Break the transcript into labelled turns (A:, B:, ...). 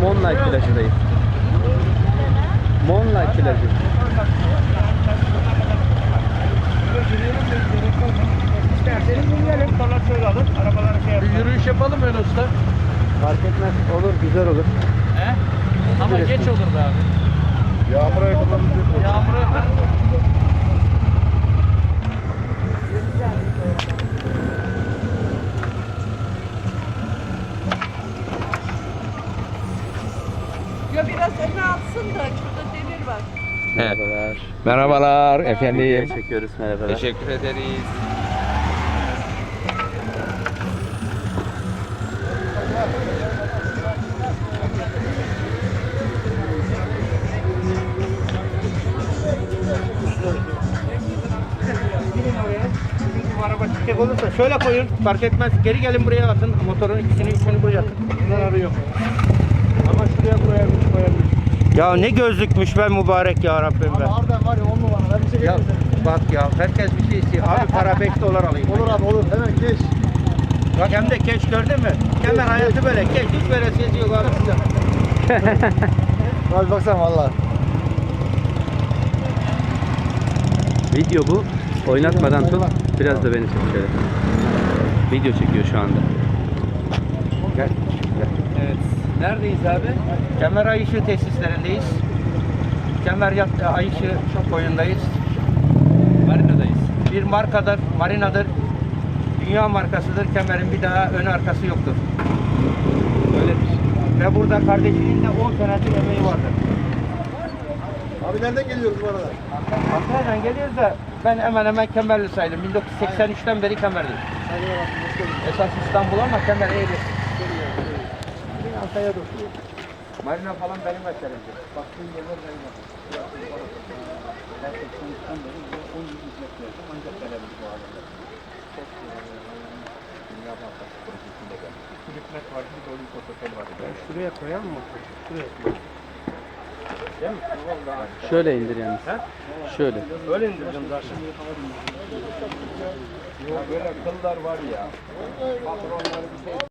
A: Moonlight plajındayız. Moonlight plajı.
B: Bir yürüyüş yapalım öyle usta.
A: Fark etmez. Olur, güzel olur.
B: He? Ama geç olur be abi.
C: Yağmura yakalanınca
B: Yağmuru
D: Ya biraz öne alsın da şurada demir var.
A: Merhabalar.
B: Merhabalar efendim.
A: Çekiyoruz, merhabalar.
B: Teşekkür ederiz.
E: Araba çıkacak olursa şöyle koyun, fark etmez. Geri gelin buraya atın. Motorun ikisini üçünü buraya atın.
C: bunlar arıyor.
E: Ama şuraya koyabilir. Ya ne gözlükmüş be mübarek ya Rabbim be.
C: Harbiden var ya 10 numara. Ben bir şey
E: Ya
C: getirdim.
E: bak ya herkes bir şey istiyor. Abi para 5 dolar alayım.
C: Olur abi olur. Hemen geç.
E: Bak hem de keş gördün mü? Kemer hayatı böyle. Keş hiç veresiyesi yok abi size.
C: Abi baksana valla.
A: Video bu. Oynatmadan tut. Biraz da beni çek şöyle. Video çekiyor şu anda.
E: Gel.
B: Evet. Neredeyiz abi?
E: Kemer Ayışı tesislerindeyiz. Kemer Ayışı koyundayız.
B: Marina'dayız.
E: Bir markadır, marinadır. Dünya markasıdır. Kemer'in bir daha ön arkası yoktur.
B: Öyledir.
E: Ve burada kardeşinin de 10 senedir emeği vardır.
C: Abi nereden geliyoruz bu arada?
E: Antalya'dan geliyoruz da ben hemen hemen Kemerli sayılım. 1983'ten beri Kemerliyim.
C: Saygılar abi. Hoş geldin.
E: Esas İstanbul ama Kemer Eğri. Antalya'da oturuyor. Marina falan benim eserimdir. Baktığın yerler benim eserim. Ben 83'ten beri 10 yıl hizmet verdim ancak gelebildim bu halde. Dünya Bankası projesinde geldim. Bir hükümet vardı, bir de Olimpos Otel vardı. Ben şuraya koyalım mı? Şuraya koyalım. Değil mi?
A: Şöyle indir yalnız. Şöyle.
E: Öyle indirdim zaten. Ya böyle kıllar var ya. Patronlar bir şey